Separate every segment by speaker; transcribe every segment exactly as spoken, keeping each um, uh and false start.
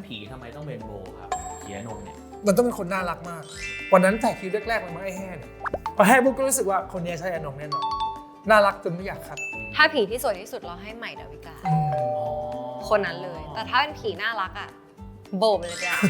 Speaker 1: นั้นผีทำไมต้องเป็นโบครับเขียนนเนี่ย
Speaker 2: มันต้องเป็นคนน่ารักมากวันนั้นถ่ายคิวแรกๆมันมาไอ้แห่เนี่ยพอแห่ปุ๊บก็รู้สึกว่าคนนี้ใช่อนงแน่นอนน่ารักจนไม่อยากคัด
Speaker 3: ถ้าผีที่สวยที่สุดเราให้ใหม่ดาวิกาคนนั้นเลยแต่ถ้าเป็นผีน่ารักอ่ะโบไปเลยจ้ะ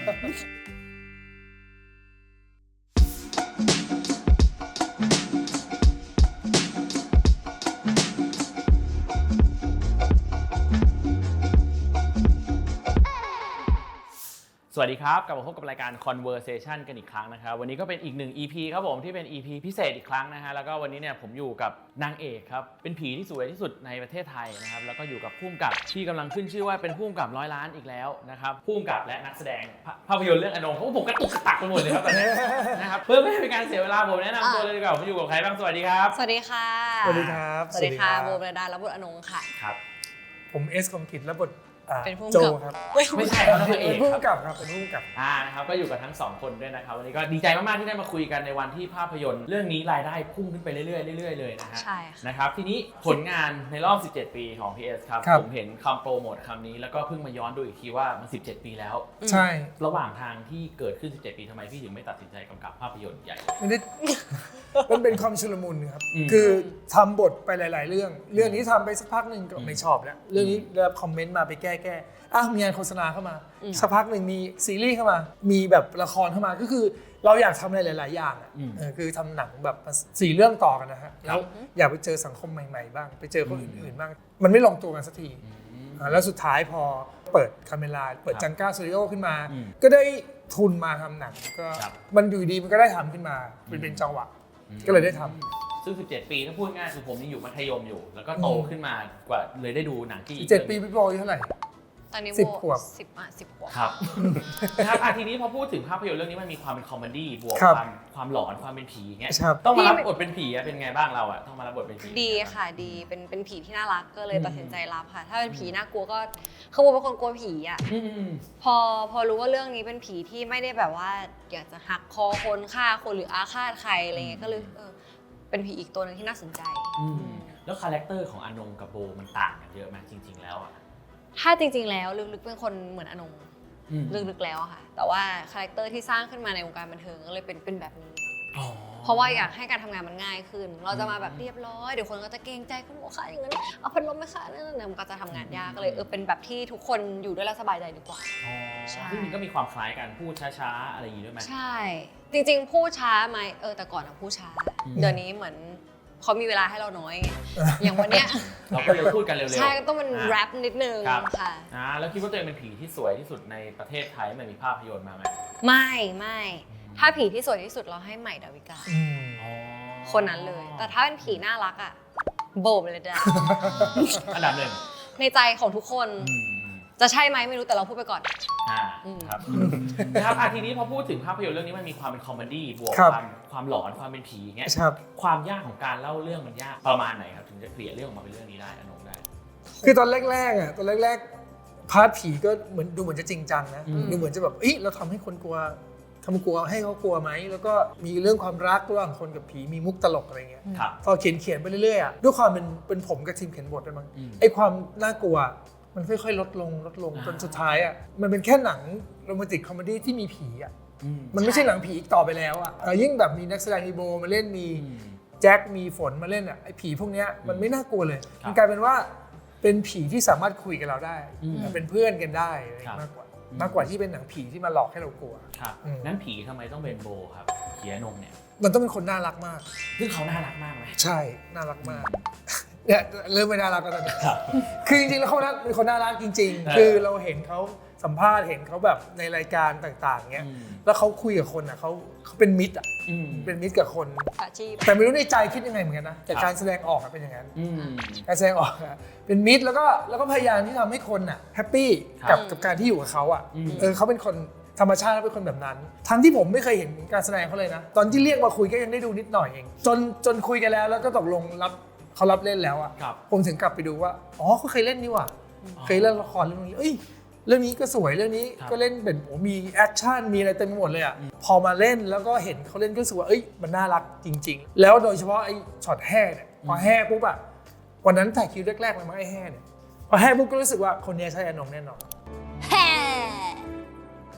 Speaker 1: สวัสดีครับกลับมาพบกับรายการ Conversation กันอีกครั้งนะครับวันนี้ก็เป็นอีกหนึ่ง อี พี ครับผมที่เป็น อี พี พิเศษอีกครั้งนะฮะแล้วก็วันนี้เนี่ยผมอยู่กับนางเอกครับเป็นผีที่สวยที่สุดในประเทศไทยนะครับแล้วก็อยู่กับผู้กำกับที่กำลังขึ้นชื่อว่าเป็นผู้กำกับร้อยล้านอีกแล้วนะครับผู้กำกับและนักแสดงภาพยนตร์เรื่องอนงเพราะผมกระตุกกระตักไปหมดเลยครับตอนนี้นะครับเพื่อไม่ให้เป็นการเสียเวลาผมแนะนำตัวเลยดีกว่าผมอยู่กับใครบ้างสวัสดีครับ
Speaker 3: สวัสดีค่ะ
Speaker 2: สวัสดีครับ
Speaker 3: สวัสดีค่ะโบเบรดาและบุตรอนงค่ะ
Speaker 1: ครับ
Speaker 2: ผมเอสคอมกิจและบท
Speaker 3: เป็นผู้
Speaker 2: โจ
Speaker 3: กำกับ
Speaker 2: ครับ
Speaker 1: ไม่ใช่ครับเป็นเอก
Speaker 2: ผู้
Speaker 1: ครับ
Speaker 2: กำกับครับเป็นผู้กำกับ
Speaker 1: อ่านะครับก็อยู่กับทั้งสองคนด้วยนะครับวันนี้ก็ดีใจมากๆที่ได้มาคุยกันในวันที่ภาพยนตร์เรื่องนี้รายได้พุ่งขึ้นไปเรื่อยๆเรื่อยๆเลยนะฮะ
Speaker 3: ใช่ค่ะ
Speaker 1: นะครับทีนี้ผลงานในรอบสิบเจ็ดปีของ พี เอส ครับผมเห็นคำโปรโมทคำนี้แล้วก็เพิ่งมาย้อนดูอีกทีว่ามันสิบเจ็ดปีแล้ว
Speaker 2: ใช่
Speaker 1: ระหว่างทางที่เกิดขึ้นสิบเจ็ดปีทำไมพี่ถึงไม่ตัดสินใจกำกับภาพยนตร์ใหญ่
Speaker 2: ไม่ได้มันเป็นความชุลมุนครับคือทำบทไปหลายๆเรื่องเรื่องนี้ทำไปสักพักหนึ่งก็ไม่ชอบแล้วเรื่องนี้ได้รับคอมเมนต์มาไปแก้แก้อ้าวมีงานโฆษณาเข้ามาสักพักหนึ่งมีซีรีส์เข้ามามีแบบละครเข้ามาก็คือเราอยากทำอะไรหลายๆอย่างอ่ะคือทำหนังแบบสี่เรื่องต่อกันนะฮะแล้วอยากไปเจอสังคมใหม่ๆบ้างไปเจอคนอื่นๆบ้างมันไม่ลงตัวกันสักทีแล้วสุดท้ายพอเปิดคาเมล่าเปิดจังก้าสตูดิโอขึ้นมาก็ได้ทุนมาทำหนังก็มันอยู่ดีมันก็ได้ทำขึ้นมาเป็นเป็นจังหวะก็เลยได้ทำ
Speaker 1: ซึ่งสิบเจ็ดปีถ้าพูดง่ายคือผมยังอยู่มัธยมอยู่แล้วก็โตขึ้นมากว่าเลยได้ดูหนังที่
Speaker 2: เจ็ดปีพี่บอยเท่าไหร่
Speaker 3: ตอนนี้
Speaker 2: สิบขวบ
Speaker 3: สิบอ่ะสิบขวบ
Speaker 1: ครับนะครับทีนี้พอพูดถึงภาพยนตร์เรื่องนี้มันมีความเป็นคอมเมดี้บวกความความหลอนความเป็นผีเงี้ยต้องมารับบทเป็นผีเป็นไงบ้างเราอะต้องมารับบทเป็นผี
Speaker 3: ดีค่ะดีเป็นเป็นผีที่น่ารักก็เลยตัดสินใจรับค่ะถ้าเป็นผีน่ากลัวก็คือโบเป็นคนกลัวผีอะพอพอรู้ว่าเรื่องนี้เป็นผีที่ไม่ได้แบบว่าอยากจะหักคอคนฆ่าคนหรืออาฆาตใครอะไรเงี้ยก็เลยเออเป็นผีอีกตัวนึงที่น่าสนใจ
Speaker 1: แล้วคาแรคเตอร์ของอนงกับโบมันต่างกันเยอะไหมจริงๆแล้วอะ
Speaker 3: ถ้าจริงๆแล้วลึกๆเป็นคนเหมือนอนงลึกๆแล้วค่ะแต่ว่าคาแรคเตอร์ที่สร้างขึ้นมาในวงการบันเทิงก็เลยเป็นเป็นแบบนี้เพราะว่าอยากให้การทำงานมันง่ายขึ้นเราจะมาแบบเรียบร้อยเดี๋ยวคนก็จะเกรงใจคุณหมอค่ะอย่างนั้นเอาพัดลมไหมคะนั่นมันก็จะทำงานยากก็เลยเออเป็นแบบที่ทุกคนอยู่ด้วยแล้วสบายใจดีกว่า
Speaker 1: ใช่ซึ่งมันก็มีความคล้ายกันพูดช้าๆอะไรอย่างนี้ด้วยไหม
Speaker 3: ใช่จริงๆพูดช้าไหมเออแต่ก่อนอะพูดช้าเดี๋ยวนี้เหมือนเขามีเวลาให้เราน้อยอย่างวันเนี้ย
Speaker 1: เราก็เลยพูดกันเร็วๆ
Speaker 3: ใช่ก็ต้องเป็นแรปนิดนึงค่ะ
Speaker 1: อ่าแล้วคิดว่าตัวเองเป็นผีที่สวยที่สุดในประเทศไทยมันมีภาพยนตร์มาไหม
Speaker 3: ไม่ไม่ถ้าผีที่สวยที่สุดเราให้ใหม่ดาวิกาคนนั้นเลยแต่ถ้าเป็นผีน่ารักอ่ะโบไปเลยจ้ะ
Speaker 1: อันดับหนึ่ง
Speaker 3: ในใจของทุกคนจะใช่ไหมไม่รู้แต่เราพูดไปก่อน
Speaker 1: อ่าครับนะครับทีนี้พอพูดถึงภาพยนตร์เรื่องนี้มันมีความเป็นคอมเมดี้บวกความความหลอนความเป็นผีเงี้ยความยากของการเล่าเรื่องมันยากประมาณไหนครับถึงจะเกลี่ยเรื่องออกมาเป็นเรื่องนี้ได้อนงได้
Speaker 2: คือตอนแรกๆอ่ะตอนแรกๆพาร์ทผีก็เหมือนดูเหมือนจะจริงจังนะดูเหมือนจะแบบเอ้ยเราทำให้คนกลัวทำกลัวให้เขากลัวไหมแล้วก็มีเรื่องความรักระหว่างคนกับผีมีมุกตลกอะไรเงี้ยพอเขียนเขียนไปเรื่อยๆอ่ะด้วยความเป็นเป็นผมกับทีมเขียนบทด้วยมั้งไอ้ความน่ากลัวมันค่อยๆลดลงลดลงจนสุดท้ายอ่ะมันเป็นแค่หนังโรแมนติกคอมเมดี้ที่มีผีอ่ะมันไม่ใช่หนังผีอีกต่อไปแล้วอ่ะยิ่งแบบมีนักแสดงมีโบมาเล่นมีแจ็คมีฝนมาเล่นอ่ะไอ้ผีพวกเนี้ยมันไม่น่ากลัวเลยมันกลายเป็นว่าเป็นผีที่สามารถคุยกับเราได้เป็นเพื่อนกันได้มากกว่ามากกว่าที่เป็นหนังผีที่มาหลอกให้เรากลัว
Speaker 1: ครับนั้นผีทำไมต้องเป็นโบครับเขียนงเนี่ย
Speaker 2: มันต้องเป็นคนน่ารักมาก
Speaker 1: ซึ่งเขาน่ารักมากไหม
Speaker 2: ใช่น่ารักมากเนี่ยเริ่มไม่น่ารักแล้วตอนนี้คือจริงๆแล้วเขาเป็นคนน่ารักจริงๆคือเราเห็นเขาสัมภาษณ์เห็นเขาแบบในรายการต่างๆเงี้ยแล้วเขาคุยกับคนอ่ะเขาเขาเป็นมิตรอ่ะเป็นมิตรกับคนแต่ไม่รู้ในใจคิดยังไงเหมือนกันนะแต่การแสดงออกเป็นอย่างนั้นการแสดงออกเป็นมิตรแล้วก็แล้วก็พยายามที่ทำให้คนอ่ะแฮปปี้กับกับการที่อยู่กับเขาอ่ะเออเขาเป็นคนธรรมชาติเป็นคนแบบนั้นทั้งที่ผมไม่เคยเห็นการแสดงเขาเลยนะตอนที่เรียกมาคุยก็ยังได้ดูนิดหน่อยเองจนจนคุยกันแล้วแล้วก็ตกลงรับเขารับเล่นแล้วอ่ะผมถึงกลับไปดูว่าอ๋อเขาเคยเล่นนี่ว่ะเคยเล่นละครเรื่องนี้เอ้ยเรื่องนี้ก็สวยเรื่องนี้ก็เล่นเป็นโอ้มีแอคชั่นมีอะไรเต็มไปหมดเลยอ่ะพอมาเล่นแล้วก็เห็นเขาเล่นก็รู้สึกว่าเอ้ยมันน่ารักจริงๆแล้วโดยเฉพาะไอ้ช็อตแห่เนี่ยพอแห่ปุ๊บอ่ะวันนั้นถ่ายคิวแรกๆเลยมั้งไอ้แห่เนี่ยพอแห่ปุ๊บก็รู้สึกว่าคนนี้ใช่อนงแน่นอน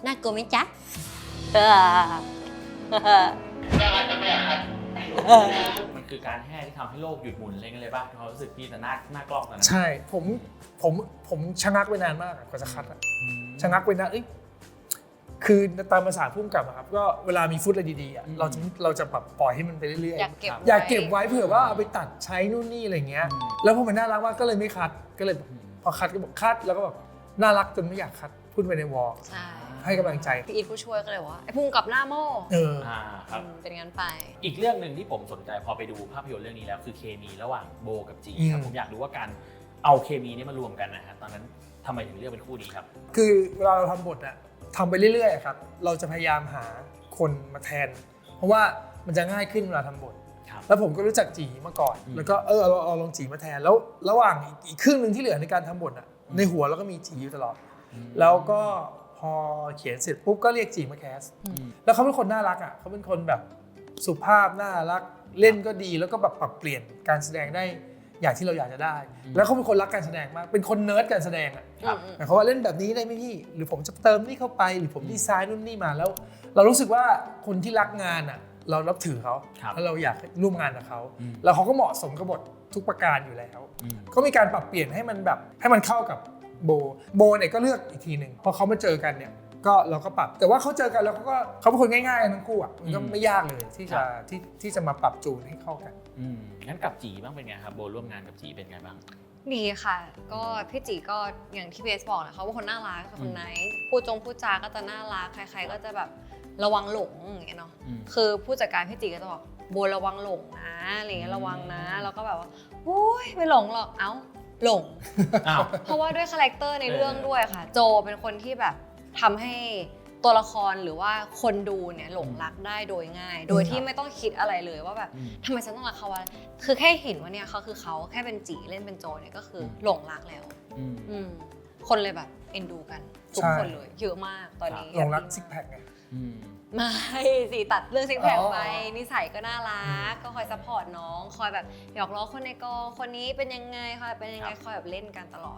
Speaker 3: น่ากลัวไหมจ๊ะเออ
Speaker 1: มันคือการแห่ที่ทำให้โลกหยุดหมุนอะไรกันเลยป่ะความรู้สึกพี่แต่หน้าหน้ากล้องตอนนั้น
Speaker 2: ใช่ผมผมผมชะงักไปนานมากอะกว่าจะคัดอะชะงักไปนานเอ้ยคือตามภาษาพุ่มกับอะครับก็เวลามีฟุตอะไรดีๆอะเราจะเราจะแบบปล่อยให้มันไปเรื่อยๆ
Speaker 3: อยากเก็บ
Speaker 2: อยากเก็บไว้เผื่อว่าเอาไปตัดใช้นู่นนี่อะไรเงี้ยแล้วพอมันน่ารักมากก็เลยไม่คัดก็เลยพอคัดก็บอกคัดแล้วก็แบบน่ารักจนไม่อยากคัดพูดไปในวอล
Speaker 3: ใช่
Speaker 2: ให้กำลังใจ
Speaker 3: พี่อีทผู้ช่วยก็เลยว่าไอ้พุ่งกับหน้าโม่
Speaker 2: เออ
Speaker 1: อ่าครับ
Speaker 3: อืมเป็นงั้นไป
Speaker 1: อีกเรื่องหนึ่งที่ผมสนใจพอไปดูภาพยนตร์เรื่องนี้แล้วคือเคมีระหว่างโบกับจีครับ
Speaker 2: อืม
Speaker 1: ผมอยากรู้ว่าการเอาเคมีนี้มารวมกันนะฮะตอนนั้นทำไมถึงเลือกเป็นคู่นี้ครับ
Speaker 2: คือเวลาเราทำบทอะทำไปเรื่อยๆอะครับเราจะพยายามหาคนมาแทน เพราะว่ามันจะง่ายขึ้นเวลาทำบท
Speaker 1: ครับ
Speaker 2: แล้วผมก็รู้จักจีมาก่อน
Speaker 1: อืม
Speaker 2: แล้วก็เออเอาเอาลองจีมาแทนแล้วระหว่างอีกครึ่งหนึ่งที่เหลือในการทำบทอะในหัวเราก็มีจีอยู่ตลอด แล้วก็พอเขียนเสร็จปุ๊บก็เรียกจีมาแคส
Speaker 1: อืม
Speaker 2: แล้วเขาเป็นคนน่ารักอ่ะเขาเป็นคนแบบสุภาพน่ารักเล่นก็ดีแล้วก็แบบปรับเปลี่ยนการแสดงได้อย่างที่เราอยากจะได้ แล้วเขาเป็นคนรักการแสดงมากเป็นคนเนิร์ดการแสดงอ่ะ
Speaker 1: ครับ
Speaker 2: หมายความว่าเล่นแบบนี้ได้ไหมพี่หรือผมจะเติมนี่เข้าไปหรือผมดีไซน์นู่นนี่มาแล้ว เรารู้สึกว่าคนที่รักงานอ่ะเรานับถือเขา
Speaker 1: ครับ
Speaker 2: แล้วเราอยากร่วมงานกับเขา
Speaker 1: อืม
Speaker 2: แล้วเขาก็เหมาะสมกับบททุกประการอยู่แล้ว
Speaker 1: อืม
Speaker 2: ก็มีการปรับเปลี่ยนให้มันแบบให้มันเข้ากับโบโบเนี่ยก็เลือกอีกทีหนึ่งพอเขามาเจอกันเนี่ยก็เราก็ปรับแต่ว่าเขาเจอกันแล้วเขาก็เขาเป็นคนง่ายๆทั้งคู่อ่ะมันก็ไม่ยากเลยที่จะที่ที่จะมาปรับจูนให้เข้ากัน
Speaker 1: อืมงั้นกับจีบ้างเป็นไงครับโบร่วมงานกับจีเป็นไงบ้าง
Speaker 3: ดีค่ะ ก็พี่จีก็อย่างที่เบสบอกแหละเขาเป็นคนน่ารักเป็นคนไนท์พูดจงพูดจาก็จะน่ารักใครๆก็จะแบบระวังหลงอย่างเงี้ยเนาะ
Speaker 1: อืม
Speaker 3: คือผู้จัดการพี่จีก็จะบอกโบระวังหลงนะอะไรเงี้ยระวังนะแล้วก็แบบว่าโอ้ยไม่หลงหรอกเอ้าหลง
Speaker 1: อ้าว
Speaker 3: เพราะว่าด้วยคาแรคเตอร์ในเรื่องด้วยค่ะ โจเป็นคนที่แบบทำให้ตัวละครหรือว่าคนดูเนี่ยหลงรักได้โดยง่าย โดยที่ไม่ต้องคิดอะไรเลยว่าแบบ
Speaker 1: อืม
Speaker 3: ทำไมฉันต้องรักเขาวะคือแค่เห็นว่าเนี่ยเขาคือเขาแค่เป็นจีเล่นเป็นโจเนี่ยก็คือหลงรักแล้ว
Speaker 1: อืม
Speaker 3: อืมคนเลยแบบเอ็นดูกันทุก
Speaker 2: ใช่
Speaker 3: คนเลยเยอะมากตอนนี้
Speaker 2: หลงรัก
Speaker 3: แฮปปี้
Speaker 2: ซิกแพคไง
Speaker 1: อืม
Speaker 3: ไม่สิตัดเรื่องซิกแพค
Speaker 2: อ๋อ
Speaker 3: ไปนิสัยก็น่ารักก็คอยซัพพอร์ตน้องคอยแบบหยอกล้อคนในกองคนนี้เป็นยังไงคอยเป็นยังไงคอยแบบเล่นกันตลอด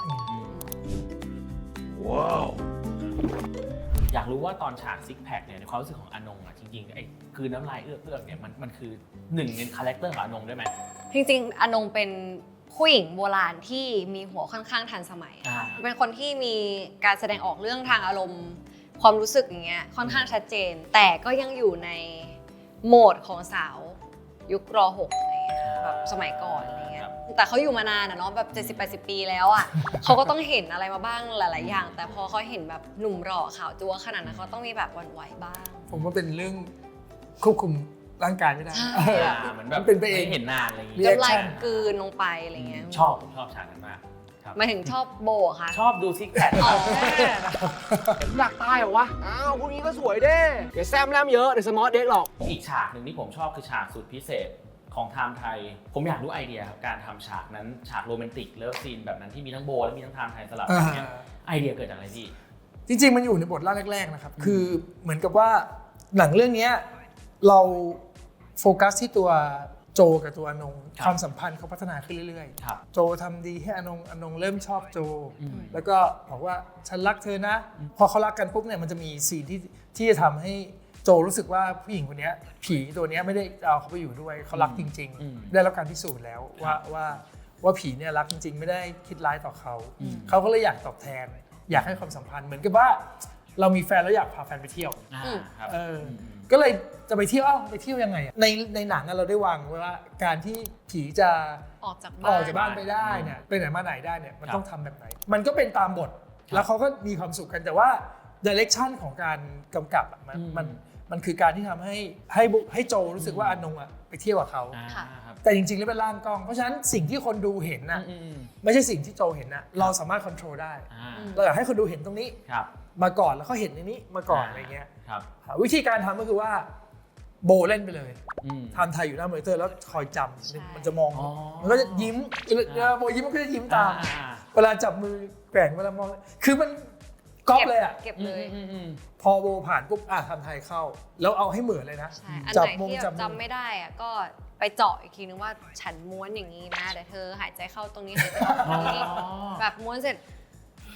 Speaker 1: ว้าวอยากรู้ว่าตอนฉากซิกแพคเนี่ยในความรู้สึกของอนงอ่ะจริงๆไอ้คือน้ำลายเอื้อกๆเนี่ยมันมันคือหนึ่งในคาแรคเตอร์ของอนงด้วยไหม
Speaker 3: จริงๆอนงเป็นผู้หญิงโบราณที่มีหัวค่อนข้างทันสมัย
Speaker 1: อ่า
Speaker 3: เป็นคนที่มีการแสดงออกเรื่องทางอารมณ์ความรู้สึกอย่างเงี้ยค่อนข้างชัดเจน แต่ก็ยังอยู่ในโหมดของสาวยุครหกอะไรเงี้ยแบบสมัยก่อนอะไรเงี้ยแต่เขาอยู่มานานอะเนาะแบบเจ็ดสิบแปดสิบปีแล้วอะ เขาก็ต้องเห็นอะไรมาบ้างหลายๆอย่าง แต่พอเขาเห็นแบบหนุ่มหล่อขาวจั๊วขนาดนั้นเขาต้องมีแบบหวั่นไหวบ้าง
Speaker 2: ผมว่าเป็นเรื่องควบคุมร่างกายไม่ได้
Speaker 3: ใช่
Speaker 1: อ่าเหมือนแบบ
Speaker 2: มันเป็นไปเอง
Speaker 1: ไม่เห็นนานอะไรอย่าง
Speaker 2: เรี
Speaker 1: เงี้
Speaker 2: ย
Speaker 1: ย
Speaker 3: น้ำลาย
Speaker 2: reaction
Speaker 3: กลืนลงไปอะไรเงี้ย
Speaker 1: ชอบผมชอบฉากนั้นมากครับ
Speaker 3: หมายถึงชอบโบอะคะ
Speaker 1: ชอบดูซิกแพค
Speaker 3: อ๋อ
Speaker 4: อยากตายเหรอวะ อ้าวพวกนี้ก็สวยเด้อย่าแซมแรมเยอะเดี๋ยวสมอลเด็กหรอก
Speaker 1: อีกฉากหนึ่งที่ผมชอบคือฉากสุดพิเศษของไทม์ไทย ผมอยากรู้ไอเดียครับการทำฉากนั้นฉากโรแมนติกเลิฟซีนแบบนั้นที่มีทั้งโบและมีทั้งไทม์ไทยสลับกันเนี่ยไอเดียเกิดจากอะไรพี่
Speaker 2: จริงๆ มันอยู่ในบทร่างแรกๆ นะครับ คือเหมือนกับว่าหนังเรื่องนี้เราโฟกัสที่ตัวโจกับตัวอนง
Speaker 1: ครับ
Speaker 2: ความสัมพันธ์เขาพัฒนาขึ้นเรื่อย
Speaker 1: ครับ
Speaker 2: ๆ โจทำดีให้อนงอนงเริ่มชอบโจ
Speaker 1: อืม
Speaker 2: แล้วก็บอกว่าฉันรักเธอนะ พอเขารักกันปุ๊บเนี่ยมันจะมีซีนที่ที่จะทำให้โจรู้สึกว่าผู้หญิงคนนี้ผีตัวนี้ไม่ได้เอาเขาไปอยู่ด้วยเขารักจริง
Speaker 1: อืม
Speaker 2: ๆ ได้รับการพิสูจน์แล้วว่าว่าว่าผีเนี่ยรักจริง ๆ ไม่ได้คิดร้ายต่อเขา
Speaker 1: อืม
Speaker 2: เขาก็เลยอยากตอบแทน อยากให้ความสัมพันธ์เหมือนกับว่าเรามีแฟนแล้วอยากพาแฟนไปเที่ยว
Speaker 1: อ่าครับ
Speaker 2: เออ
Speaker 1: ม
Speaker 2: ก็เลยจะไปเที่ยวเอ้าไปเที่ยวยังไงอะในในหนังอะเราได้วางไว้ว่าการที่ผีจะ
Speaker 3: ออกจาก
Speaker 2: อ
Speaker 3: บ้า
Speaker 2: อก
Speaker 3: น
Speaker 2: จากบ้านไปได้เนี่ยไปไหนมาไหนได้เนี่ยมัน
Speaker 1: ครับ
Speaker 2: ต้องทำแบบไหน มันก็เป็นตามบท แล้วเขาก็มีความสุขกันแต่ว่าดิเรกชันของการกำกับอะมัน
Speaker 1: อืม
Speaker 2: มันมันคือการที่ทำให้ให้บุให้โจรู้สึกว่าอนงอะไปเที่ยวกับเขา
Speaker 1: อ่า
Speaker 3: ค่ะ
Speaker 1: ครับ
Speaker 2: แต่จริงๆแล้วเป็นร่างกล้อง เพราะฉะนั้นสิ่งที่คนดูเห็นน่ะ
Speaker 1: อืมอืม
Speaker 2: ไม่ใช่สิ่งที่โจเห็นนะเราสามารถควบคุมได้
Speaker 1: อ่า
Speaker 2: เราอยากให้คนดูเห็นตรงนี้
Speaker 1: ครับ
Speaker 2: มาก่อนแล้วเขาเห็นในนี้มาก่อนอะไรเงี้ย
Speaker 1: ครับ
Speaker 2: วิธีการทำก็คือว่าโบเล่นไปเลย
Speaker 1: อืม
Speaker 2: ทำไทยอยู่หน้ามอนิเตอร์แล้วคอยจ
Speaker 3: ใช่
Speaker 2: ำมันจะมอง
Speaker 1: อ๋อ
Speaker 2: มันก็จะยิ้มเวลาโบยิ้มมันก็จะยิ้มตาม
Speaker 1: อ่า
Speaker 2: เวลาจับมือแกว่งเวลามองคือมันก๊อปเลยอ่ะ
Speaker 3: เก็บ
Speaker 1: อื
Speaker 3: เล
Speaker 1: ม
Speaker 3: ย
Speaker 1: อืมอืม
Speaker 2: พอโบผ่านปุ๊บอ่ะทำไทยเข้า แล้วเอาให้เหมือนเลยนะ
Speaker 3: ใช่ อัน
Speaker 2: จั
Speaker 3: ไหน
Speaker 2: มง
Speaker 3: ที่
Speaker 2: จับ
Speaker 3: แบบ
Speaker 2: มือ
Speaker 3: จำไม่ได้อะก็ไปเจาะอีกทีนึงว่าฉันม้วนอย่างนี้นะเดี๋ยวเธอหายใจเข้าตรงนี้หายใจออกตรงนี้ แบบม้วนเสร็จ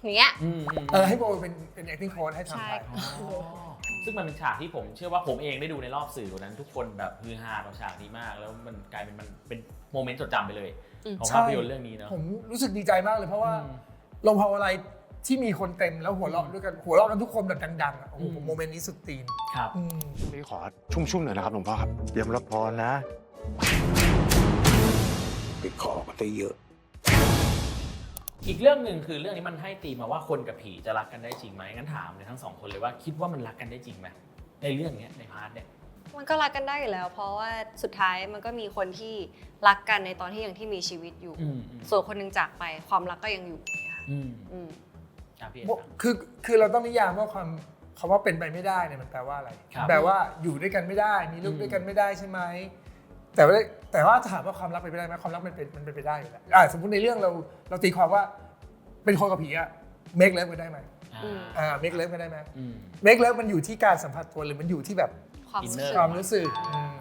Speaker 3: อย่างเงี้ย
Speaker 1: อืมอืม
Speaker 2: เออให้โบเป็นเป็น acting coach ให้ทำ
Speaker 3: ใช่
Speaker 2: ไป
Speaker 1: อ๋อซึ่งมันเป็นฉากที่ผมเชื่อว่าผมเองได้ดูในรอบสื่อวันนั้นทุกคนแบบฮือฮากับฉากนี้มากแล้วมันกลายเป็นมันเป็นโมเมนต์จดจำไปเลยของภาพยนตร์เรื่องนี้เนาะ
Speaker 2: ผมรู้สึกดีใจมากเลยเพราะว่า
Speaker 1: อืม
Speaker 2: โรงภาพอะไรที่มีคนเต็มแล้วหัวเราะด้วยกันหัวเราะกันทุกคนแบบดังๆอ่ะโอ้โห
Speaker 1: อืม
Speaker 2: โมเมนต์นี้สุดตีน
Speaker 1: ครับ
Speaker 2: อืม
Speaker 5: นี่ขอชุ่มๆหน่อยนะครับหลวงพ่อครับเตรียมรับพรนะ
Speaker 6: ไปขอก็ได้เยอะ
Speaker 1: อีกเรื่องหนึ่งคือเรื่องนี้มันให้ตีมาว่าคนกับผีจะรักกันได้จริงไหมงั้นถามเลยทั้งสองคนเลยว่าคิดว่ามันรักกันได้จริงไหมในเรื่องเนี้ยในพาร์ทเนี้ย
Speaker 3: มันก็รักกันได้อยู่แล้ว เพราะว่าสุดท้ายมันก็มีคนที่รักกันในตอนที่ยังที่มีชีวิตอยู่
Speaker 1: อืมอืม
Speaker 3: ส่วนคนหนึงจากไปความรักก็ยังอยู่เนี่ยค่ะ
Speaker 1: อืม
Speaker 3: อืม
Speaker 1: อ่ะพี่เอ
Speaker 2: โบ
Speaker 1: ครับ
Speaker 2: คือคือเราต้องนิยามว่าความคำว่าเป็นไปไม่ได้เนี่ยมันแปลว่าอะไร
Speaker 1: ครับ
Speaker 2: แปลว่าอยู่ด้วยกันไม่ได้ มีลูก
Speaker 1: อืม
Speaker 2: ด้วยกันไม่ได้ใช่ไหมแต่ว่าแต่ว่าถามว่าความรักเป็นไปได้ไหมความรักมันเป็นมันเป็นไปได้อยู่แล้วอ่ะสมมติในเรื่องเราเราตีความว่าเป็นคนกับผีอะเมคเลิฟกันได้ไหม
Speaker 1: อ่า
Speaker 3: อืม
Speaker 2: อ่าเมคเลิฟกันได้ไหม
Speaker 1: อืม
Speaker 2: เมคเลิฟมันอยู่ที่การสัมผัสตัวหรือมันอยู่ที่แบบ
Speaker 3: ความรู้สึก
Speaker 1: Inner
Speaker 2: ความรู้สึกอืม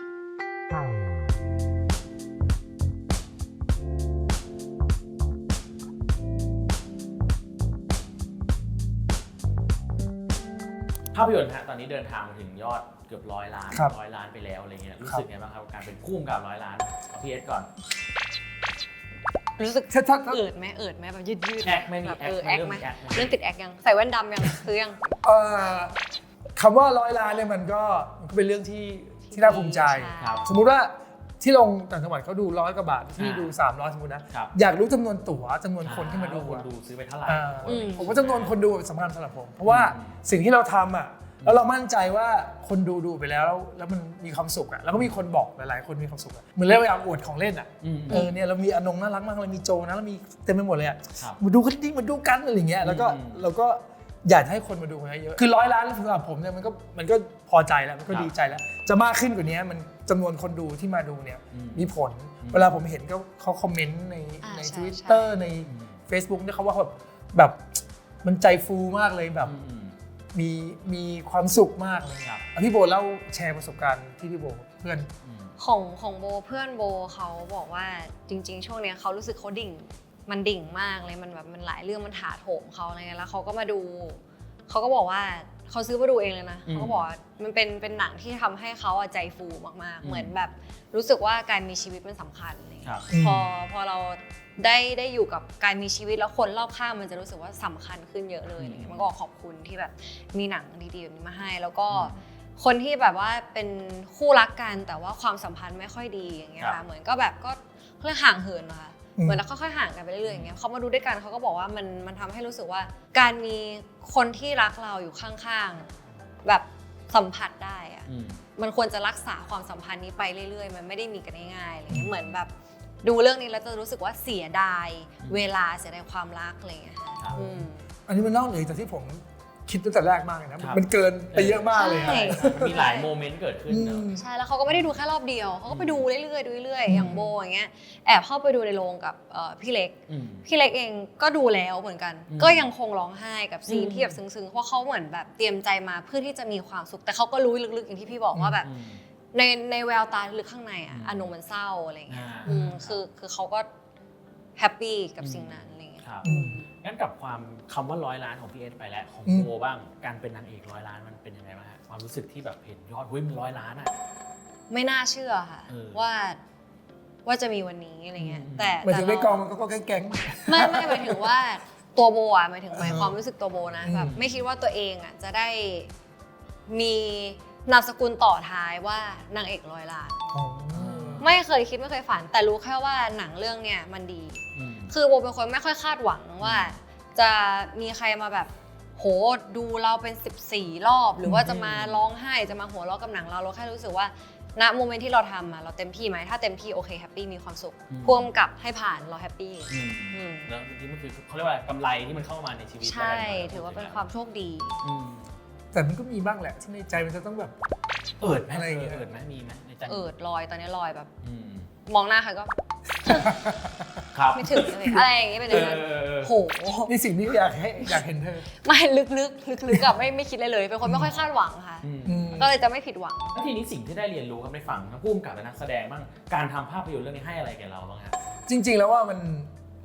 Speaker 1: ภาพยนตร์ฮะตอนนี้เดินทางมาถึงยอดเกือบร้อยล้าน
Speaker 2: ครับ
Speaker 1: ร้อยล้านไปแล้วอะไรเงี้ยรู้
Speaker 2: ครับ
Speaker 1: สึกไงบ้างครับกับการเป็นคู่กับร้อยล้านเอาพี่เอสก่อน
Speaker 3: รู้สึก
Speaker 2: ถ้าถ้าถ้า
Speaker 3: เอิดไหมเอิดไหมแบบยืดยืด
Speaker 1: แอคไหมมี
Speaker 3: แบบ
Speaker 1: แอค
Speaker 3: เออ
Speaker 1: ไหม
Speaker 3: แอค
Speaker 1: เริ่ม
Speaker 3: ไหม
Speaker 1: มีแอคไหม
Speaker 3: เรื่องติดแอคยังใส่แว่นดำยังคือยัง
Speaker 2: เอ่อคำว่าร้อยล้านเนี่ยมันก็มันก็เป็นเรื่องที่ที่น่าภูมิใจ
Speaker 1: ครับ
Speaker 2: สมมุติว่าที่ลงต่างจังหวัดเขาดูร้อยกว่าบาทที่
Speaker 1: อ่า
Speaker 2: ดูสามร้อยสมมตินะครับ อยากรู้จำนวนตั๋วจำนวนคนที่มาดู
Speaker 1: คน
Speaker 2: อะ
Speaker 1: ดูซื้อไปเท่าไหร่
Speaker 2: อ่า
Speaker 3: อืม
Speaker 2: ผมว่าจำนวนคนดูสำคัญสำหรับผม เพราะว่าสิ่งที่เราทำอ่ะแล้วเรามั่นใจว่าคนดูดูไปแล้ว แล้วมันมีความสุขอ่ะแล้วก็มีคนบอกหลายๆคนมีความสุขอ่ะเหมือนเล่นเวลาอวดของเล่นอ่ะ
Speaker 1: อืม
Speaker 2: เออเนี่ยเรามีอนงน่ารักมากเรามีโจนะเรามีเต็มไปหมดเลยอ่ะ
Speaker 1: ครับ
Speaker 2: มาดูกันดิมาดูกันอะไรอย่างเงี้ยแล้วก็
Speaker 1: อืม
Speaker 2: เราก็อยากให้คนมาดูกันเยอะๆคือร้อยล้านสำหรับผมเนี่ยมันก็มันก็พอใจแล้วมันก็
Speaker 1: ครับ
Speaker 2: ดีใจแล้ว จะมากขึ้นกว่านี้มันจำนวนคนดูที่มาดูเนี่ย
Speaker 1: อืม
Speaker 2: มีผล
Speaker 1: อืม
Speaker 2: เวลาผมเห็นก็เขาคอมเมนต์ใน
Speaker 3: อ่า
Speaker 2: ใน
Speaker 3: ใช่
Speaker 2: ทวิตเตอร์ใน
Speaker 1: อืม
Speaker 2: Facebook เนี่ยเขาว่าแบบแบบมันใจฟูมากเลยแบบ
Speaker 1: อืม
Speaker 2: มีมีความสุขมากเลย
Speaker 1: ครับ
Speaker 2: อ่ะพี่โบเล่าแชร์ประสบการณ์ที่พี่โบเพื่อน
Speaker 1: อืม
Speaker 3: ของของโบเพื่อนโบเขาบอกว่าจริง ๆ ช่วงเนี้ยเขารู้สึกเขาดิ่ง มันดิ่งมากเลยมันแบบมันหลายเรื่องมันถาโถมเขาอะไรเงี้ยแล้วเขาก็มาดูเขาก็บอกว่าเขาซื้อมาดูเองเลยนะ
Speaker 1: อืม
Speaker 3: เขาก็บอกว่ามันเป็นเป็นหนังที่ทำให้เขาอะใจฟูมาก
Speaker 1: อืม
Speaker 3: ๆเหมือนแบบรู้สึกว่าการมีชีวิตมันสำคัญอะไร
Speaker 1: ค
Speaker 3: เงี้ย
Speaker 1: รับ
Speaker 2: อืม
Speaker 3: พอพอเราได้ได้อยู่กับการมีชีวิตแล้วคนรอบข้างมันจะรู้สึกว่าสำคัญขึ้นเยอะเลยอะไรเงี้ยมันก็ขอบคุณที่แบบมีหนังดีๆแบบนี้มาให้ แล้วก็
Speaker 1: อืม
Speaker 3: คนที่แบบว่าเป็นคู่รักกันแต่ว่าความสัมพันธ์ไม่ค่อยดีอย่างเงี้ย
Speaker 1: ครั
Speaker 3: ค่ะ
Speaker 1: บ
Speaker 3: เหมือนก็แบบก็เรื่องห่างเหินนะคะ
Speaker 2: อืม
Speaker 3: เหมือนเราค่อยๆห่างกันไปเรื่อยๆอย่างเงี้ยเขามาดูด้วยกันเขาก็บอกว่ามันมันทำให้รู้สึกว่าการมีคนที่รักเราอยู่ข้างๆแบบสัมผัสได้อะ
Speaker 1: อืม
Speaker 3: มันควรจะรักษาความสัมพันธ์นี้ไปเรื่อยๆ มันไม่ได้มีกันง่ายๆอะไรเงี้ยเหมือนแบบดูเรื่องนี้แล้วจะรู้สึกว่าเสียดาย
Speaker 1: อืม
Speaker 3: เวลาเสียดายความรักอะไรเงี้ยค่ะ
Speaker 1: ครับ
Speaker 3: อืม
Speaker 2: อันนี้มันนอกเหนือจากที่ผมคิดตั้งแต่แรกมากเลยนะ
Speaker 1: ครับ
Speaker 2: มันเกินไปเยอะมากเลย
Speaker 3: ใช่
Speaker 2: อะ
Speaker 1: มันมีหลายโมเมนต์เกิดขึ้น
Speaker 2: อื
Speaker 1: เนอะ
Speaker 2: ม
Speaker 3: ใช่แล้วเขาก็ไม่ได้ดูแค่รอบเดียวเขาก็ไปดูเรื่อยๆดูเรื่อย
Speaker 2: อืม
Speaker 3: ๆอย่างโบอย่างเงี้ยแอบเข้าไปดูในโรงกับเอ่อพี่เล็ก
Speaker 1: อืม
Speaker 3: พี่เล็กเองก็ดูแล้วเหมือนกัน
Speaker 1: อืม
Speaker 3: ก็ยังคงร้องไห้กับซีน
Speaker 1: อืม
Speaker 3: ที่แบบซึ้งๆเพราะเขาเหมือนแบบเตรียมใจมาเพื่อที่จะมีความสุข แต่เขาก็รู้ลึกๆอย่างที่พี่บอกว่าแบบ
Speaker 1: อืม
Speaker 3: ในในแววตาลึกข้างในอ่ะ
Speaker 1: อืม
Speaker 3: อารมณ์มันเศร้าอะไรเงี้ย
Speaker 1: อ่า
Speaker 3: อืมคือคือเขาก็แฮปปี้กับสิ่งนั้นอะไรเงี้ย
Speaker 1: ครับ
Speaker 2: อืม
Speaker 1: งั้นกับความคำว่าร้อยล้านของพี่เอสไปแล้วของ
Speaker 2: อืม
Speaker 1: โบบ้างการเป็นนางเอกร้อยล้านมันเป็นยังไงบ้างฮะความรู้สึกที่แบบเห็นยอดเฮ้ยมันร้อยล้านอ่ะ
Speaker 3: ไม่น่าเชื่อค่ะ
Speaker 1: เออ
Speaker 3: ว่าว่าจะมีวันนี้อะไรเงี้ย
Speaker 1: อืม
Speaker 3: แต่
Speaker 2: หมายถึงใน
Speaker 3: แต่เรา
Speaker 2: กองมันก็ก็แก๊ง
Speaker 3: ไม่ไม่หมายถึงว่าตัวโบอ่ะหมายถึงหมาย
Speaker 2: เออ
Speaker 3: ความรู้สึกตัวโบนะ
Speaker 2: อืม
Speaker 3: แบบไม่คิดว่าตัวเองอ่ะจะได้มีนามสกุลต่อท้ายว่านางเอกร้อยล้าน
Speaker 2: ๆอ๋อ
Speaker 3: ไม่เคยคิดไม่เคยฝัน แต่รู้แค่ว่าหนังเรื่องเนี้ยมันดี
Speaker 1: อืม
Speaker 3: คือโบเป็นคนไม่ค่อยคาดหวังว่า จะมีใครมาแบบโหดูเราเป็นสิบสี่รอบ หรือว่าจะมาร้องไห้จะมาหัวเราะกับหนังเราเราแค่รู้สึกว่าณโมเมนต์ที่เราทำอะเราเต็มที่ไหมถ้าเต็มที่โอเคแฮปปี้มีความสุข
Speaker 1: อืม
Speaker 3: พ่วงกับให้ผ่านเราแฮปปี้
Speaker 1: อืม
Speaker 3: อืม
Speaker 1: แล้วที่มันคือเขาเรียกว่าอะไรกำไรที่มันเข้ามาในชีวิต
Speaker 3: ใช่ ถือว่าเป็นความโชคดี
Speaker 1: อืม
Speaker 2: แต่มันก็มีบ้างแหละที่ในใจมันจะต้องแบบ
Speaker 1: เอิดไหม
Speaker 2: อะไรอย่างเงี้ย
Speaker 1: เอิดไหมมีไหมในใจ
Speaker 3: เอิดลอยตอนนี้ลอยแบบ
Speaker 1: อืม
Speaker 3: มองหน้าใครก็
Speaker 1: ครับ
Speaker 3: ไม่ถึงเลยอะไรอย่างเงี้ยเป็นอย่างนั้น
Speaker 1: เออเออ
Speaker 3: โห
Speaker 2: นี่สิ่งที่อยากให้อยากเห็นเธอ
Speaker 3: ไม่ลึกๆลึกๆกับไม่ไม่คิดเลยเลย เป็นคนไม่ค่อยคาดหวังค่ะ
Speaker 1: อืม
Speaker 2: อืม
Speaker 3: ก็เลยจะไม่ผิดหวัง
Speaker 1: แล้วทีนี้สิ่งที่ได้เรียนรู้ครับในฝั่งทั้งผู้กำกับและนักแสดงบ้างการทำภาพยนตร์เรื่องนี้ให้อะไรแก่เราบ้างครับ
Speaker 2: จริง ๆ แล้วว่ามัน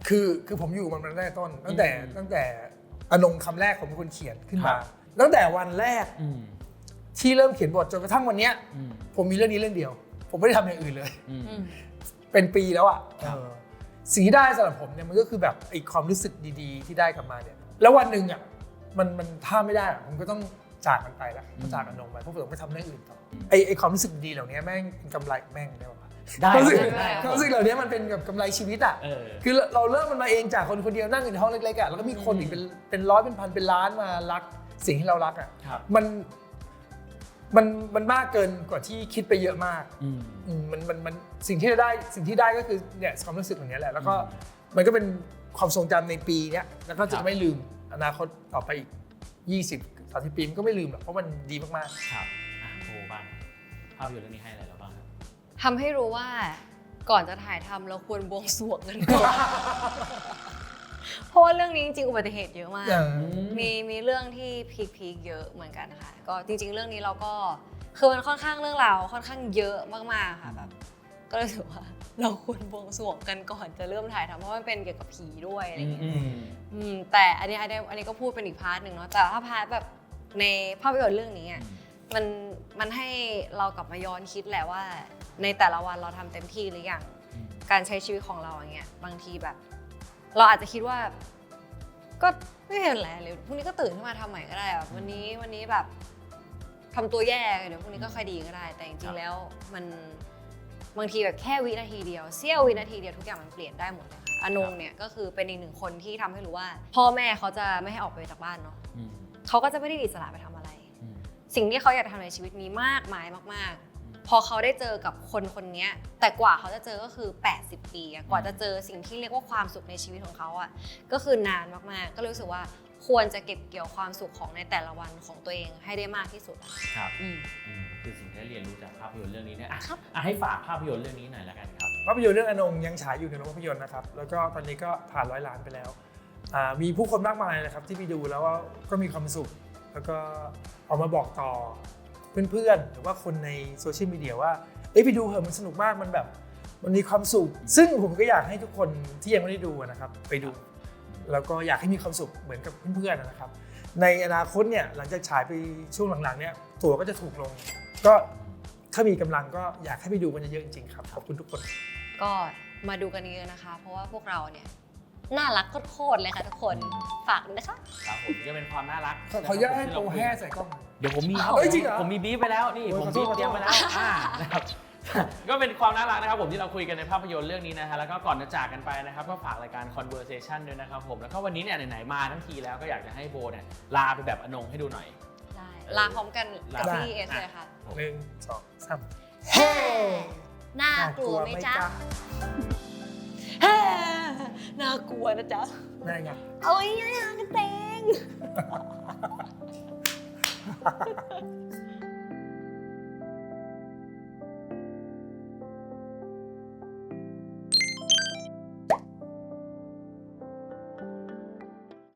Speaker 2: คือคือผมอยู่มันมาตั้งแต่ต้น ตั้งแต่
Speaker 1: อืม
Speaker 2: ตั้งแต่อนงคำแรกผมเป็นคนเขียนขึ้น
Speaker 1: ครั
Speaker 2: มา
Speaker 1: บ
Speaker 2: ตั้งแต่วันแรก
Speaker 1: อืม
Speaker 2: ที่เริ่มเขียนบทจนกระทั่งวันเนี้ย
Speaker 1: อืม
Speaker 2: ผมมีเรื่องนี้เรื่องเดียว ผมไม่ได้ทำอย่างอื่นเลย
Speaker 1: อืม
Speaker 3: อืม
Speaker 2: เป็นปีแล้วอ่ะ
Speaker 1: ครับ
Speaker 2: เออสิ่งที่ได้สำหรับผมเนี่ยมันก็คือแบบไอ้ความรู้สึกดีๆ ที่ได้กลับมาเนี่ยแล้ววันหนึ่งอ่ะมันมันถ้าไม่ได้อะผมก็ต้องจากมันไปละต้องจากอนงไปเพราะผมไปทำเรื่องอื่นต่อไอ้ไอ้ความรู้สึกดีเหล่านี้แม่งเป็นกำไรแม่งได้ป่ะ
Speaker 1: ได้
Speaker 2: ความรู้สึก
Speaker 1: ได้
Speaker 2: ความรู้สึกเหล่านี้มันเป็นแบบกำไรชีวิตอ่ะ
Speaker 1: เออ
Speaker 2: คือเราเริ่มมันมาเองจากคนคนเดียวนั่งอยู่ในห้องเล็กๆอ่ะแล้วก็มีคนอีกเป็นเป็นร้อยเป็นพันเป็นล้านมารักสิ่งที่เรารักอ่ะ
Speaker 1: ครับ
Speaker 2: มันมันมันมากเกินกว่าที่คิดไปเยอะมาก
Speaker 1: อืม
Speaker 2: อืมมันมันมันสิ่งที่ได้สิ่งที่ได้ก็คือเนี่ยความรู้สึกแบบนี้แหละ แล้วก็
Speaker 1: อืม
Speaker 2: มันก็เป็นความทรงจำในปีเนี้ยแล้วก็
Speaker 1: ครั
Speaker 2: จะ
Speaker 1: บ
Speaker 2: ไม่ลืมอนาคตต่อไปอีกยี่สิบ สามสิบปีมันก็ไม่ลืมหรอกเพราะมันดีมาก
Speaker 1: ครับอ่ะโบบ้างภาพยนตร์เรื่องนี้ให้อะไรเราบ้างครับ
Speaker 3: ทำให้รู้ว่าก่อนจะถ่ายทำเราควรบวงสรวงกันก่อน เพราะว่าเรื่องนี้จริงๆอุบัติเหตุเยอะมาก
Speaker 2: ๆอย่าง
Speaker 3: มีมีเรื่องที่พีคๆเยอะเหมือนกันค่ะ ก็จริง ๆ เรื่องนี้เราก็คือมันค่อนข้างเรื่องราวค่อนข้างเยอะมากๆค่ะแบบก็เลยถือว่าเราควรบวงสรวงกันก่อนจะเริ่มถ่ายทำเพราะมันเป็นเกี่ยวกับผีด้วยอะไรอย่างเงี้ย
Speaker 1: อืม
Speaker 3: อืมแต่อันนี้อันนี้อันนี้ก็พูดเป็นอีกพาร์ทหนึ่งเนาะแต่ถ้าพาร์ทแบบในภาพยนตร์เรื่องนี้อ่ะมันมันให้เรากลับมาย้อนคิดแหละว่า ในแต่ละวันเราทำเต็มที่หรือยัง
Speaker 1: อืม
Speaker 3: การใช้ชีวิตของเราอย่างเงี้ยบางทีแบบ เราอาจจะคิดว่า ก็ไม่เป็นไรเลยพรุ่งนี้ก็ตื่นขึ้นมาทำใหม่ก็ได้แบบวันนี้วันนี้แบบทำตัวแย่เดี๋ยวพรุ่งนี้ก็ค่อยดีก็ได้ แต่จริงๆแล้วมันบางทีแบบแค่วินาทีเดียวเสี้ยววินาทีเดียวทุกอย่างมันเปลี่ยนได้หมดเลยค่ะอนงเนี่ยก็คือเป็นอีกหนึ่งคนที่ทำให้รู้ว่า พ่อแม่เขาจะไม่ให้ออกไปจากบ้านเนาะ
Speaker 1: อืม
Speaker 3: เขาก็จะไม่ได้อิสระไปทำอะไร
Speaker 1: อืม
Speaker 3: สิ่งที่เขาอยากทำในชีวิตมีมากมายมากๆ พอเขาได้เจอกับคนคนนี้แต่กว่าเขาจะเจอก็คือแปดสิบปีอะกว่าจะเจอสิ่งที่เรียกว่าความสุขในชีวิตของเขาอะก็คือนานมากๆ ก็เลยรู้สึกว่าควรจะเก็บเกี่ยวความสุขของในแต่ละวันของตัวเองให้ได้มากที่สุดอะ
Speaker 1: ครับ
Speaker 3: อืม
Speaker 1: อืมคือสิ่งที่ได้เรียนรู้จากภาพยนตร์เรื่องนี้เนี่ยอ่ะ
Speaker 3: ครับ
Speaker 1: อ่ะให้ฝากภาพยนตร์เรื่องนี้หน่อยละกันครับ
Speaker 2: ภาพยนตร์เรื่องอนงยังฉายอยู่ในโรงภาพยนตร์นะครับแล้วก็ตอนนี้ก็ผ่านร้อยล้านไปแล้วอ่ามีผู้คนมากมายนะครับที่ไปดูแล้วว่าก็มีความสุข แล้วก็ออกมาบอกต่อเพื่อนๆหรือว่าคนในโซเชียลมีเดียว่าเอ้ยไปดูเหอะมันสนุกมากมันแบบมันมีความสุข ซึ่งผมก็อยากให้ทุกคนที่ยังไม่ได้ดูนะครับไปดู แล้วก็อยากให้มีความสุขเหมือนกับเพื่อนๆนะครับในอนาคตเนี่ยหลังจากฉายไปช่วงหลังๆเนี่ยตั๋วก็จะถูกลง ก็ถ้ามีกำลังก็อยากให้ไปดูกันเยอะๆจริงๆครับขอบคุณทุกคน
Speaker 3: ก็มาดูกันเยอะนะคะ เพราะว่าพวกเราเนี่ยน่ารักโคตรๆเลยค่ะทุกคนฝากด้วยนะคะ
Speaker 1: ครับผมก็เป็นความน่ารัก
Speaker 2: ขอขออนุญาตให้
Speaker 1: ที่
Speaker 2: โปร
Speaker 1: เราคุย
Speaker 2: แห่ใส่กล้อง
Speaker 1: เดี๋ยวผมมีครับ
Speaker 2: เฮ้ยจริงเหรอ
Speaker 1: ผมมีบีฟไปแล้วนี่
Speaker 2: โอ้ย
Speaker 1: ผม
Speaker 2: ขอโท
Speaker 1: บี
Speaker 2: ษ
Speaker 1: ฟเตรียมไปแล้วอ่านะครับ ก็เป็นความน่ารักนะครับผมที่เราคุยกันในภาพยนตร์เรื่องนี้นะฮะแล้วก็ก่อนจะจากกันไปนะครับก็ฝากรายการ Conversation ด้วยนะครับผมแล้วก็วันนี้เนี่ยไหนๆมาทั้งทีแล้วก็อยากจะให้โบเนี่ยลาไปแบบอนงให้ดูหน่อย
Speaker 3: ได้ลาพร้อมกันกับ
Speaker 1: ได้
Speaker 3: พี่เอสเลยค่ะ
Speaker 2: หนึ่งสองสาม
Speaker 3: เฮ้น่ากลัวไหมจ๊ะเฮ้น่ากลัวนะจ๊ะ
Speaker 2: ได้ไง
Speaker 3: เอาไว้ยังกระเตง